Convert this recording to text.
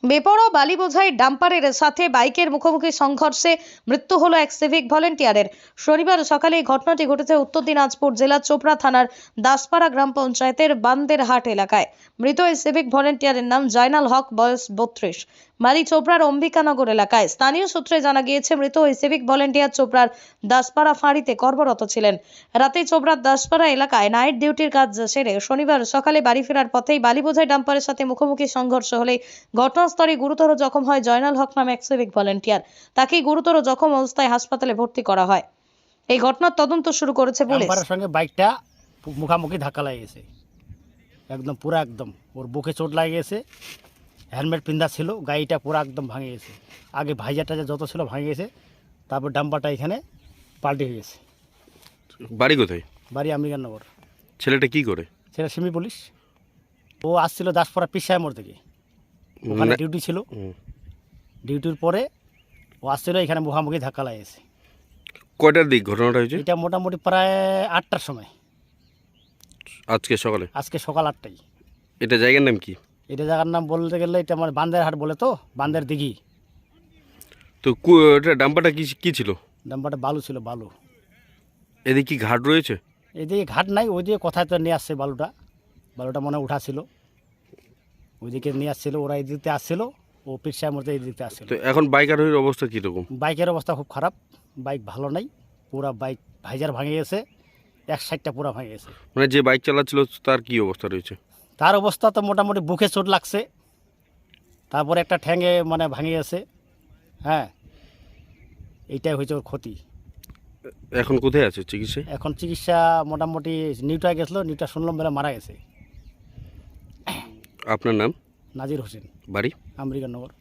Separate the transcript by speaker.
Speaker 1: বেপরোয়া বালি বোঝাই ডাম্পারের সাথে বাইকের মুখোমুখি সংঘর্ষে মৃত্যু হলো এক সিভিক ভলেন্টিয়ারের। শনিবার সকালে এই ঘটনাটি ঘটেছে উত্তর দিনাজপুর জেলার চোপড়া থানার দাসপাড়া গ্রাম পঞ্চায়েতের বান্দেরহাট এলাকায়। মৃত এই সিভিক ভলেন্টিয়ারের নাম জয়নাল হক, বয়স 32, বাড়ি চোপড়ার অম্বিকানগর এলাকায়। স্থানীয় সূত্রে জানা গিয়েছে মৃত ওই সিভিক ভলেন্টিয়ার চোপড়ার দাসপাড়া ফাঁড়িতে কর্মরত ছিলেন। রাতে চোপড়ার দাসপাড়া এলাকায় নাইট ডিউটির কাজ সেরে শনিবার সকালে বাড়ি ফেরার পথেই বালি বোঝাই ডাম্পারের সাথে মুখোমুখি সংঘর্ষ হলে ঘটনাস্থলে গুরুতর জখম হয় জয়নাল হক নামে এক সিভিক ভলেন্টিয়ার। তাকে গুরুতর জখম অবস্থায় হাসপাতালে ভর্তি করা হয়। এই ঘটনার তদন্ত শুরু করেছে পুলিশ।
Speaker 2: ডাম্পারের সঙ্গে বাইকটা মুখামুখি ধাক্কা লাগে গেছে, একদম পুরো একদম ওর বুকে চোট লাগে গেছে। হেলমেট পিন্ধা ছিল, গাড়িটা পুরো একদম ভাঙে গেছে। আগে ভাইজারটা যত ছিল ভাঙে গেছে, তারপর ডাম্পারটা এখানে পাল্টে হয়ে গেছে।
Speaker 3: বাড়ি কোথায়?
Speaker 2: বাড়ি আম্বিকানগর।
Speaker 3: ছেলেটা কি করে?
Speaker 2: সেটা সিমি পুলিশ। ও আসছিল দাসপাড়া পিসায় মোড় থেকে, ওখানে ডিউটি ছিল। ডিউটির পরে ও আসছিল, এখানে মুখামুখি ধাক্কা লাগে গেছে।
Speaker 3: কয়টার দিক ঘটনাটা হয়েছে?
Speaker 2: এটা মোটামুটি প্রায় 8টার সময়,
Speaker 3: আজকে সকালে।
Speaker 2: আজকে সকাল 8টায়।
Speaker 3: এটা জায়গার নাম কি?
Speaker 2: এটা জায়গার নাম বলতে গেলে এটা আমার বান্দেরহাট বলে, তো বান্দের দিঘি।
Speaker 3: তো এটা ডাম্পারটা কি কি ছিল?
Speaker 2: ডাম্পারটা বালু ছিল, বালু।
Speaker 3: এদিকে কি ঘাট রয়েছে?
Speaker 2: এদিকে ঘাট নাই, ওইদিকে কোথায় তো নিয়ে আসছে বালুটা। বালুটা মনে হয় উঠাছিল, ওইদিকে নিয়ে আসছিল। ওরা এই দিকতে আসছিল, ও পিসার মধ্যে এই দিকতে আসছিল।
Speaker 3: তো এখন বাইক আরোহীর অবস্থা কীরকম?
Speaker 2: বাইকের অবস্থা খুব খারাপ, বাইক ভালো নাই। পুরা বাইক ভাইজার ভাঙে গেছে, এক সাইডটা পুরা ভাঙে গেছে।
Speaker 3: মানে যে বাইক চালাচ্ছিল তার কি অবস্থা রয়েছে?
Speaker 2: তার অবস্থা তো মোটামুটি বুকে চোট লাগছে, তারপরে একটা ঠ্যাঙে মানে ভাঙে গেছে। হ্যাঁ, এইটাই হয়েছে ওর ক্ষতি।
Speaker 3: এখন কোথায় আছে চিকিৎসায়?
Speaker 2: এখন চিকিৎসা মোটামুটি নিউটায় গেছিলো, নিউটা শুনলাম বেলা মারা গেছে।
Speaker 3: আপনার নাম?
Speaker 2: নাজির হোসেন,
Speaker 3: বাড়ি?
Speaker 2: আম্বিকানগর।